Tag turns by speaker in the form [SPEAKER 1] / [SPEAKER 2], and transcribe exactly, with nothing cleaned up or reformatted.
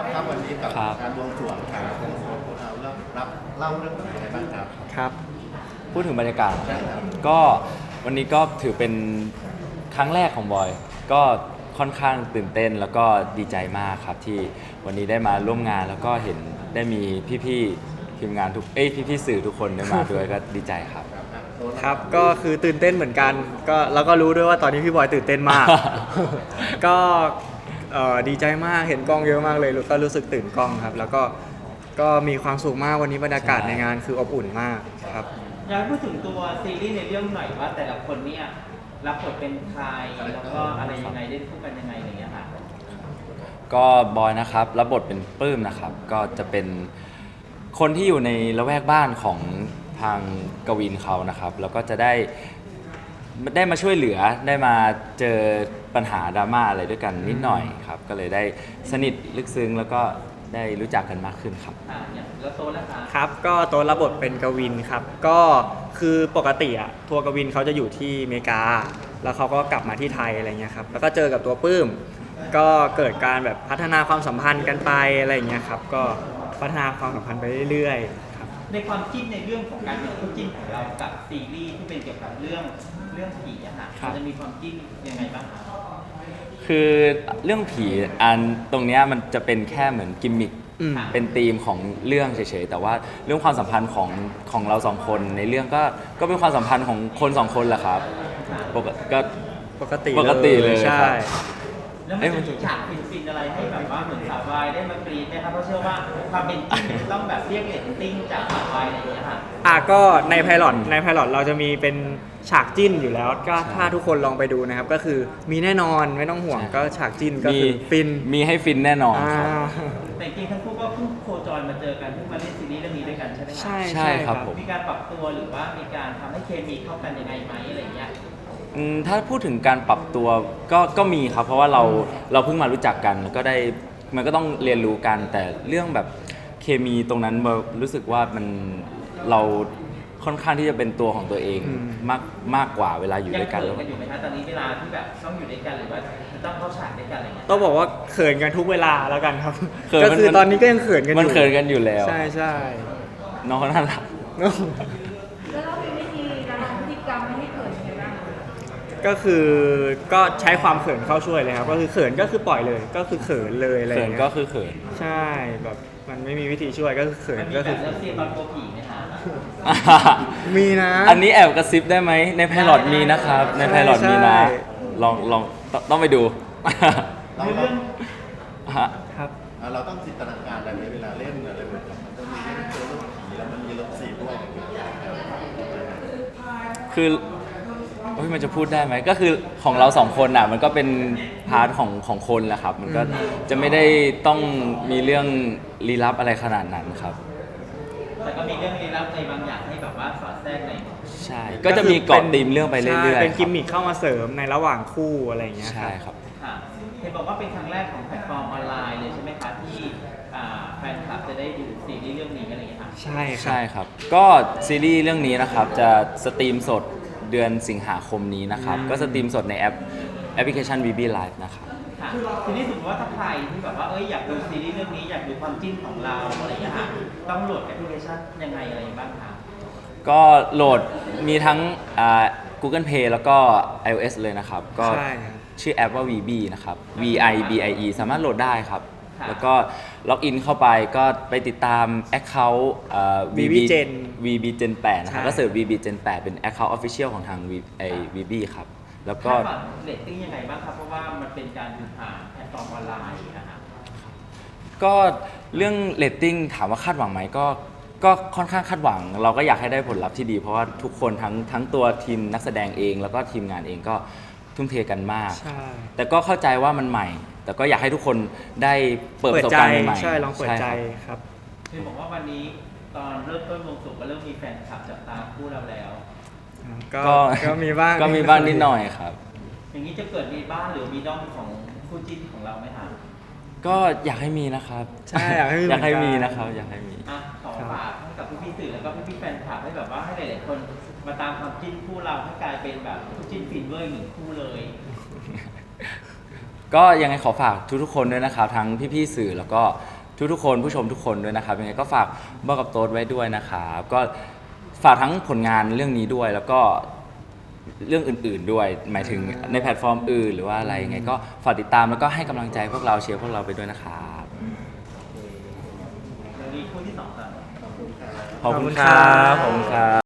[SPEAKER 1] ครับครับวันนี้กับ
[SPEAKER 2] ครับ
[SPEAKER 1] การบวงสรวงครับเราเริ่มรับเล่าเรื่องแบบอะไรบ้างครับ
[SPEAKER 2] ครับ พูดถึงบรรยากาศ
[SPEAKER 1] ใช่ครับ
[SPEAKER 2] ก็วันนี้ก็ถือเป็นครั้งแรกของบอย ก็ค่อนข้างตื่นเต้นแล้วก็ดีใจมากครับที่วันนี้ได้มาร่วมงานแล้วก็เห็นได้มีพี่ๆทีมงานทุกเอ้ยพี่ๆสื่อทุกคนได้มาด้วยก็ดีใจครับ
[SPEAKER 1] ครับอ่ะโต๊ะ
[SPEAKER 3] ครับก็คือตื่นเต้นเหมือนกันก็แล้วก็รู้ด้วยว่าตอนนี้พี่บอยตื่นเต้น มาก ก็เอ่อดีใจมากเห็นกล้องเยอะมากเลยก็รู้สึกตื่นกล้องครับ แล้วก็ก็มีความสุขมากวันนี้บรรยากาศ
[SPEAKER 2] ใช่
[SPEAKER 3] ในงานคืออบอุ่นมากครับ
[SPEAKER 4] อยากให้พูดถึงตัวซีรีส์ในเรื่องหน่อยว่าแต่ละคนเนี่ยรับบทเป็นใครแล้วก็อะไรยังไงเล่นคู่กันยังไงอะไรอย่างเงี้ยค่ะ
[SPEAKER 2] ก็บอยนะครับรับบทเป็นปื้มนะครับ ก็จะเป็นคนที่อยู่ในละแวกบ้านของทางกวินเขานะครับ แล้วก็จะได้ได้มาช่วยเหลือได้มาเจอปัญหาดราม่าอะไรด้วยกันนิดหน่อยครับ ก็เลยได้สนิทลึกซึ้งแล้วก็ได้รู้จักกันมากขึ้นครับ
[SPEAKER 4] อ่าอย่างแล้วโต๊ะละคะ
[SPEAKER 3] ครับก็ตัวรับบทเป็นกวินครับก็คือปกติอะทัวร์กวินเขาจะอยู่ที่อเมริกา แล้วเขาก็กลับมาที่ไทยอะไรเงี้ยครับแล้วก็เจอกับตัวปื้ม ก็เกิดการแบบพัฒนาความสัมพันธ์กันไปอะไรเงี้ยครับก็พัฒนาความสัมพันธ์ไปเรื่อยๆครับ
[SPEAKER 4] ในความจิ้นในเรื่องของการเป็นคู่จิ้นของเรากับซีรีส์ที่เป็นเกี่ยวกับเรื่องเรื่องผีอะค่ะ
[SPEAKER 3] ครับ
[SPEAKER 4] มันจะมีความจิ้นยังไงบ้างคะ
[SPEAKER 2] คือเรื่องผีอันตรงเนี้ยมันจะเป็นแค่เหมือนกิมมิค
[SPEAKER 3] อืม
[SPEAKER 2] เป็นธีมของเรื่องเฉยๆ แต่ว่าเรื่องความสัมพันธ์ของของเราสองคนในเรื่องก็ก็เป็นความสัมพันธ์ของคนสองคนแหละครับปกติก็
[SPEAKER 3] ปกติ
[SPEAKER 2] ปกติเลย
[SPEAKER 3] ใช่
[SPEAKER 2] ครับ
[SPEAKER 4] แล้วมันจะมีฉากฟินๆอะไรให้แบบว่าเหมือนสาววายได้มากรีดไหมครับเพราะเชื่อว่าความเป็นจริงมันต้องแบบเรียกเรตติ้งจากสาววายอะไรอย่างเงี้ยค่ะ
[SPEAKER 3] อ่ะก็ในไพลอตในไพลอตเราจะมีเป็นฉากจิ้นอยู่แล้วก็ถ้าทุกคนลองไปดูนะครับ ก็คือมีแน่นอนไม่ต้องห่วง
[SPEAKER 2] ใช่
[SPEAKER 3] ก็ฉากจิ้นก็
[SPEAKER 2] มี
[SPEAKER 3] คือฟิน
[SPEAKER 2] มีให้ฟินแน่นอน
[SPEAKER 3] อ่า
[SPEAKER 2] ครับ
[SPEAKER 4] แต่จริงๆทั้งคู่ก็เพิ่งโคจรมาเจอกันเพิ่งมาเล่นซีรีส์เรื่องนี้ด้วยกันใช่ไหมคะ
[SPEAKER 3] ใช่
[SPEAKER 2] ใช่ครับผม
[SPEAKER 4] มีการปรับตัวหรือว่ามีการทำให้เคมีเข้ากันยังไงไหมอะไรอย่างเงี้ย
[SPEAKER 2] อืมถ้าพูดถึงการปรับตัวก็ก็มีครับ เพราะว่าเราเราเพิ่งมารู้จักกันแล้วก็ได้มันก็ต้องเรียนรู้กัน แต่เรื่องแบบเคมีตรงนั้นเรารู้สึกว่ามันเราค่อนข้างที่จะเป็นตัวของตัวเอง
[SPEAKER 3] อืม
[SPEAKER 2] มากมากกว่าเวลาอยู่
[SPEAKER 4] ยัง
[SPEAKER 2] ด้วยกัน
[SPEAKER 4] เขิ
[SPEAKER 2] แล้
[SPEAKER 4] น
[SPEAKER 2] ว
[SPEAKER 4] กันอยู่ไหมคะตอนนี้เวลาที่แบบต้องอยู่ด้วยกันหรือว่าต้องเข้าฉากด้วยกันอะไรเงี้ย
[SPEAKER 3] ต้องบอกว่าเขินกันทุกเวลาแล้วกันครับ
[SPEAKER 2] เขิน
[SPEAKER 3] ก็
[SPEAKER 2] มัน
[SPEAKER 3] คือ
[SPEAKER 2] มัน
[SPEAKER 3] ตอนนี้ก็ยังเขินกันอยู่
[SPEAKER 2] มันเขินกันอยู่แล้ว
[SPEAKER 3] ใช่ใช่
[SPEAKER 2] น้องเขาน่ารัก
[SPEAKER 5] แล้วเรามีวิธีการทำพฤติกรรมไม่ให้เกิดยังไงบ้าง
[SPEAKER 3] ก็คือก็ใช้ความเขินเข้าช่วยเลยครับ ก็คือเขินก็คือปล่อยเลย ก็คือเขินเลยอะไรอ
[SPEAKER 2] เขิ
[SPEAKER 3] ย่าน งเงี้ย
[SPEAKER 2] ก็คือเขิน
[SPEAKER 3] ใช่แบบมันไม่มีวิธีช่วยก็คือเขิ
[SPEAKER 4] มัน นมี
[SPEAKER 3] ก็
[SPEAKER 4] แบ
[SPEAKER 3] คื
[SPEAKER 4] บ
[SPEAKER 3] อ
[SPEAKER 4] เลิฟซีนตอนโกลัวผีไหมคะ
[SPEAKER 3] มีนะ
[SPEAKER 2] อันนี้แอบกระซิบได้ไหมในไพลอตมีนะครับ ในไพลอตมีนะ
[SPEAKER 3] ใช่
[SPEAKER 2] ลองลองต้องต้องไปดู
[SPEAKER 1] เรา
[SPEAKER 4] ใน
[SPEAKER 1] เรา
[SPEAKER 4] เรื่อง
[SPEAKER 2] ฮะ
[SPEAKER 3] ครับ
[SPEAKER 1] อ่ะเราต้องจินตนาการอะไรไหมเวลาเล่นอะไรแบบนี้มันต้องมีเรื่องเจอเรื่องผีแล้วมันมีเรื่องสีด้วย
[SPEAKER 2] คือโอ้ยมันจะพูดได้ไหมก็คือของเราสองคนอ่ะมันก็เป็นพาร์ทของของคนแหละครับ มันก็จะไม่ได้ต้องมีเรื่องลี้ลับอะไรขนาดนั้นครับ
[SPEAKER 4] แต่ก็มีเรื่องลี้ลับในบางอย่างให้แบบว่าสอดแทรกใน
[SPEAKER 2] ใช่ ก็จะมีเกาะตีมเรื่องไปเรื่อยๆ
[SPEAKER 3] ใช่เป็น
[SPEAKER 2] ค
[SPEAKER 3] กิ
[SPEAKER 2] รับ
[SPEAKER 3] มมิคเข้ามาเสริมในระหว่างคู่อะไรอย่างเงี้ย
[SPEAKER 2] ใช่ครับ
[SPEAKER 4] ค่ะเห็นบอกว่าเป็นครั้งแรกของแพลตฟอร์มออนไลน์เลยใช่ไหมคะที่อ่าแฟนคลับจะได้ดูซีรีส์เรื่องนี้อะไรอย่างเงี้ยค่ะ
[SPEAKER 3] ใช่ครั
[SPEAKER 2] ใช่
[SPEAKER 3] บ
[SPEAKER 2] ครับ ก็ซีรีส์เรื่องนี้นะครับจะสตรีมสดเดือนสิงหาคมนี้นะครับ
[SPEAKER 3] อืม
[SPEAKER 2] ก็สตรีมสดในแอปแอปพลิเคชัน วี บี Live นะครับ
[SPEAKER 4] ค่ะทีนี้สมมติว่าถ้าใครที่แบบว่าเอ้ยอยากดูซีรีส์เรื่องนี้อยากดูความจิ้นของเราอะไรอย่างเงี้ยค่ะต้องโหลดแอปพลิเคชันยังไงอะไรบ้างคะ
[SPEAKER 2] ก็โหลดมีทั้งอ่า Google Play แล้วก็ iOS เลยนะครับ ก็
[SPEAKER 3] ใช่ครับ
[SPEAKER 2] ชื่อแอปว่า วี บี นะครับ V I B I E สามารถโหลดได้ครับ
[SPEAKER 4] ค่ะ
[SPEAKER 2] แล้วก็ล็อกอินเข้าไปก็ไปติดตาม Account อ่า
[SPEAKER 3] วี บี Gen
[SPEAKER 2] วี บี Gen แปดนะครับ
[SPEAKER 3] ใช่
[SPEAKER 2] ก็เสิร์ช วี บี Gen แปดเป็น Account Official ของทาง V ไอ้ วี บี ครับ แล้วก็
[SPEAKER 4] คาดหวังเรตติ้งยังไงบ้างครับ เพราะว่ามันเป็นการดูผ่านแพลตฟอร์มออนไลน์นะครับ
[SPEAKER 2] ก็เรื่องเรตติ้งถามว่าคาดหวังไหมก็ก็ค่อนข้างคาดหวัง เราก็อยากให้ได้ผลลัพธ์ที่ดี เพราะว่าทุกคนทั้งทั้งตัวทีมนักแสดงเอง แล้วก็ทีมงานเองก็ทุ่มเทกันมาก
[SPEAKER 3] ใช่
[SPEAKER 2] แต่ก็เข้าใจว่ามันใหม่ แต่ก็อยากให้ทุกคนได้เปิดประสบ
[SPEAKER 3] ใจ
[SPEAKER 2] การณ์ใหม่ๆ
[SPEAKER 3] ใช่ลองเปิดใจ
[SPEAKER 2] ช่ครับ
[SPEAKER 3] ครับ
[SPEAKER 4] คือบอกว่าวันนี้ตอนเริ่มต้นวงสุกก็เริ่มมีแฟนคลับจับตาคู่เราแล้ว
[SPEAKER 3] ก็
[SPEAKER 2] ก็
[SPEAKER 3] ก็มีบ้าง
[SPEAKER 2] ก็มีบ้างนิดหน่อยครับ
[SPEAKER 4] อย่างนี้จะเกิดมีบ้านหรือมีด้อมของคู่จิ้นของเราไหมคะ
[SPEAKER 2] ก็อยากให้มีนะครับ
[SPEAKER 3] ใช่อยากให้มี
[SPEAKER 2] อยากให้มี
[SPEAKER 3] เหมือนกัน
[SPEAKER 2] นะครับ อยากให้มี
[SPEAKER 4] อ่ะขอฝากให้กับพี่ๆสื่อแล้วก็พี่ๆแฟนคลับให้แบบว่าให้หลายๆคนมาตามความจิ้นคู่เราให้กลายเป็นแบบคู่จิ้นฟินเวอร์อีกหนึ่งคู่เลย
[SPEAKER 2] ก็ยังไงขอฝากทุกๆคนด้วยนะครับ ทั้งพี่ๆสื่อแล้วก็ทุกๆคนผู้ชมทุกคนด้วยนะครับยังไงก็ฝากบอกกับโต๊ดไว้ด้วยนะครับก็ฝากทั้งผลงานเรื่องนี้ด้วยแล้วก็เรื่องอื่นๆด้วย หมายถึงในแพลตฟอร์มอื่นหรือว่าอะไรยังไงก็ฝากติดตามแล้วก็ให้กำลังใจพวกเราเชียร์พวกเราไปด้วยนะครับ
[SPEAKER 4] เดี๋ยวนี้คู่ที่สองครับ
[SPEAKER 2] ขอบคุณครับขอบคุณครับ